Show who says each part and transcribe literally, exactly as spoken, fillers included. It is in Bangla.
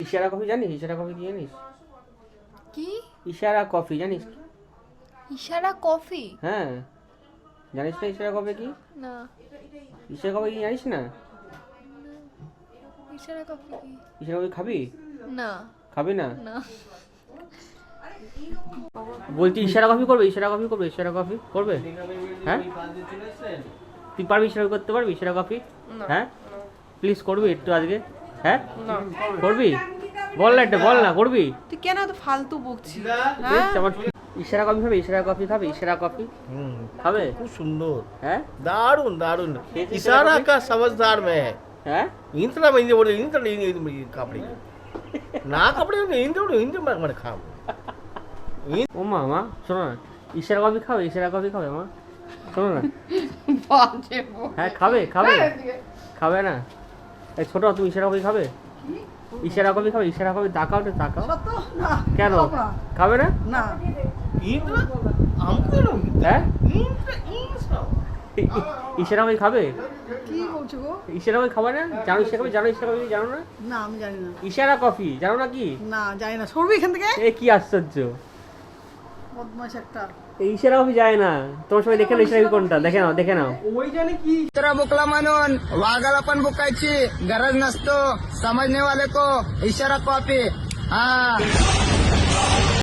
Speaker 1: ইশারা কফি জানিস? ইশারা কফি কি জানিস?
Speaker 2: কি
Speaker 1: ইশারা কফি জানিস?
Speaker 2: ইশারা কফি?
Speaker 1: হ্যাঁ, জানিস না ইশারা কফি কি?
Speaker 2: না।
Speaker 1: ইশারা কফি কি জানিস না?
Speaker 2: ইশারা কফি কি?
Speaker 1: ইশারা কফি খাবি?
Speaker 2: না।
Speaker 1: খাবি না?
Speaker 2: না।
Speaker 1: বলছি ইশারা কফি করবে? ইশারা কফি করবে? ইশারা কফি করবে? হ্যাঁ, তুই পারবি ইশারা করতে পারবি ইশারা কফি? হ্যাঁ, প্লিজ করবি একটু আজকে? হ্যাঁ, করবি? বল না, একটা বল না, করবি?
Speaker 3: তুই কেন এত ফালতু বকছিস?
Speaker 1: বেশ, আমার ইশারা কফি খাবে? ইশারা কফি খাবে? ইশারা কফি
Speaker 4: हम्म,
Speaker 1: খাবে?
Speaker 4: खूब सुंदर
Speaker 1: হ্যাঁ
Speaker 4: दारुण दारुण
Speaker 1: ये तो
Speaker 4: इशारा
Speaker 1: इशारा
Speaker 4: का समझदार में है
Speaker 1: হ্যাঁ
Speaker 4: इंतना मैं इंदे बोले इंतना इंदे कपड़े ना कपड़े इंदे बोले इंदे मैं मैं खाम
Speaker 1: ও মা মা শোনো না, ইশারা কফি খাবে? ইশারা কফি খাবে মা? শোনো না,
Speaker 3: বাজে বক।
Speaker 1: হ্যাঁ খাবে খাবে খাবে না? এই ছোট, তুমি ইশারা কফি খাবে? ইশারা কফি খাবে? ইশারা কফি তাকাও না, তাকাও।
Speaker 3: সত্য না।
Speaker 1: কেন
Speaker 3: খাবো না।
Speaker 1: খাবে না?
Speaker 3: না।
Speaker 4: इंद्र हमको ना
Speaker 1: হ্যাঁ,
Speaker 4: इंद्र इंद्र
Speaker 1: ই- ই- ইশারা কফি খাবে?
Speaker 3: কি বলছো গো?
Speaker 1: ইশারা কফি খাবে না? জানো ইশারা কফি? জানো ইশারা কফি? জানো না?
Speaker 3: না আমি জানি না।
Speaker 1: ইশারা কফি জানো না কি?
Speaker 3: না জানি না। সরবি এখান থেকে।
Speaker 1: এ কি আশ্চর্য,
Speaker 3: বদমাশ একটা।
Speaker 1: এই ইশারা কফি যায় না। তোমার সবাই দেখে নাও ইশারা কফি কোনটা, দেখে নাও দেখে নাও।
Speaker 5: दुसरा बुकला म्हणून वाघाला पण बुकायची गरज नसतो समजने वाले को इशारा कॉपी हा